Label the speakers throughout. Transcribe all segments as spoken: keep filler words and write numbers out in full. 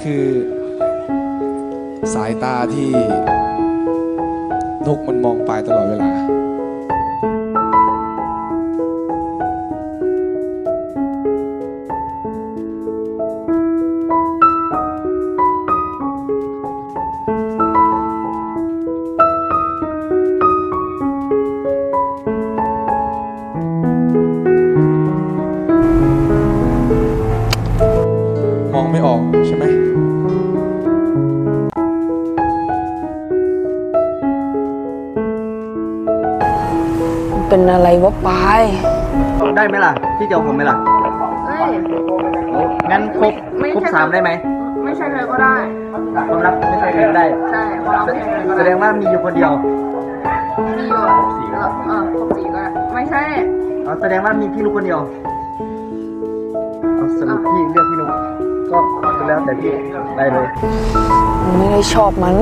Speaker 1: คือสายตาที่นกมันมองไปตลอดเวลามองไม่ออกใช่ไหม
Speaker 2: เป็นอะไรวะปาย
Speaker 3: ได้ไหมล่ะพี่เจียวผมไหมล่ะ
Speaker 4: เฮ้ย
Speaker 3: งั้นครบครบสามได้ไหม
Speaker 4: ไม่ใช่เธอก็ได้
Speaker 3: ความรักไม่ใช่เธอก็ได้
Speaker 4: ใช่ความรักไม่ใช่เธอก็ได้
Speaker 3: แสดงว่ามีอยู่คนเดียว
Speaker 4: มีอยู่เออเออครบสี่ก็ได้ไม่ใช่
Speaker 3: อ๋อแสดงว่ามีพี่ลูกคนเดียวเอาสรุปพี่เลือกพี่ลูกก็แล้วแต่พี่ได้เลย
Speaker 2: ไม่ได้ชอบมัน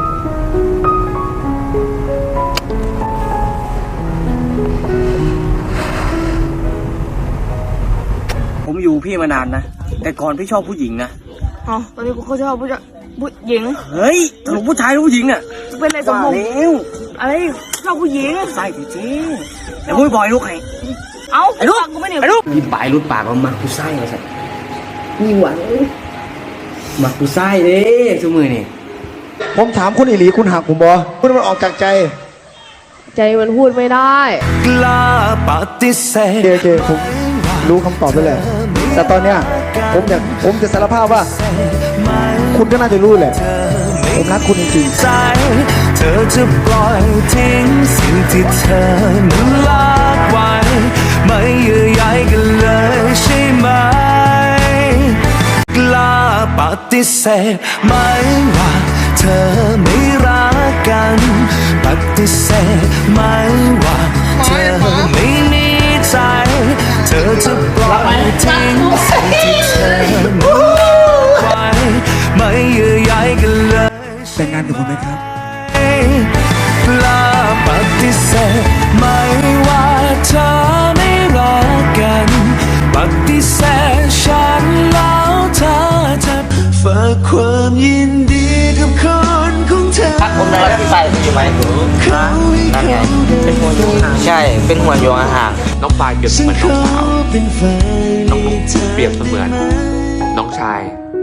Speaker 5: ผมอยู่พี่มานานนะแต่ก่อนพี่ชอบผู้หญิงนะ
Speaker 4: อ๋อตอนนี้กูเขาชอบผู้ผู้หญิง
Speaker 5: เฮ้ยสรุปผู้ชายหรือผู้หญิงอ่ะ
Speaker 4: เป็นอะไรสมบูรณ์อะไรชอบผู้หญิง
Speaker 5: ใส่จริงแต่มุ้ยบอยลูกไง
Speaker 4: เอ้า
Speaker 5: ไอ้ลูก
Speaker 4: กูไม่เนี่ย
Speaker 5: ไอ้ลูกพี่ปลายรุ่นปากมันมักผู้ไส้มาสัตว์นี่หวานมักผู้ไส้เด้ชั่วมือนี่
Speaker 1: ผมถามคุณอิหลีคุณหักผมบอคุณมันออกจากใจ
Speaker 2: ใจมันพูดไม่ได้
Speaker 1: กล้าปฏิเสธโอเคผมรู้คำตอบไปเลยแต่ตอนเนี้ยผมอยากผมจะสารภาพว่าคุณก็น่าจะรู้แหละผมรักคุณจริงๆเธอจะปล่อยทิ้งสิ่งที่เธอนั้นละไว้ไม่เยื่อใยกันเลยใช่ไหมกล้าปฏิเสธไม่ว่าเธอไม่รักกันปฏิเสธไม่ว่าเธอไม่มีใจเธอจะปล่อยทิ้งสิ่งที่เธอนั้นไว้ไม่เยื่อใยกันเลยแต่งงานกับผมไหมครับกล้าปฏิเสธไม่ว่าเธอไม่รักกันปฏิเสธฉันแล้วเธอจะฝากความยินดีกับคนของเธอ
Speaker 3: พักผมได้แล้วพี่ไปอยู่ไหมนั่นไงเป็นหัวโยงห่างใช่เป็นหัวโยงห่าง
Speaker 6: น้องปลายเปรียบเสมือนน้องสาวน้องนุ๊กเปรียบเสมือนน้องชาย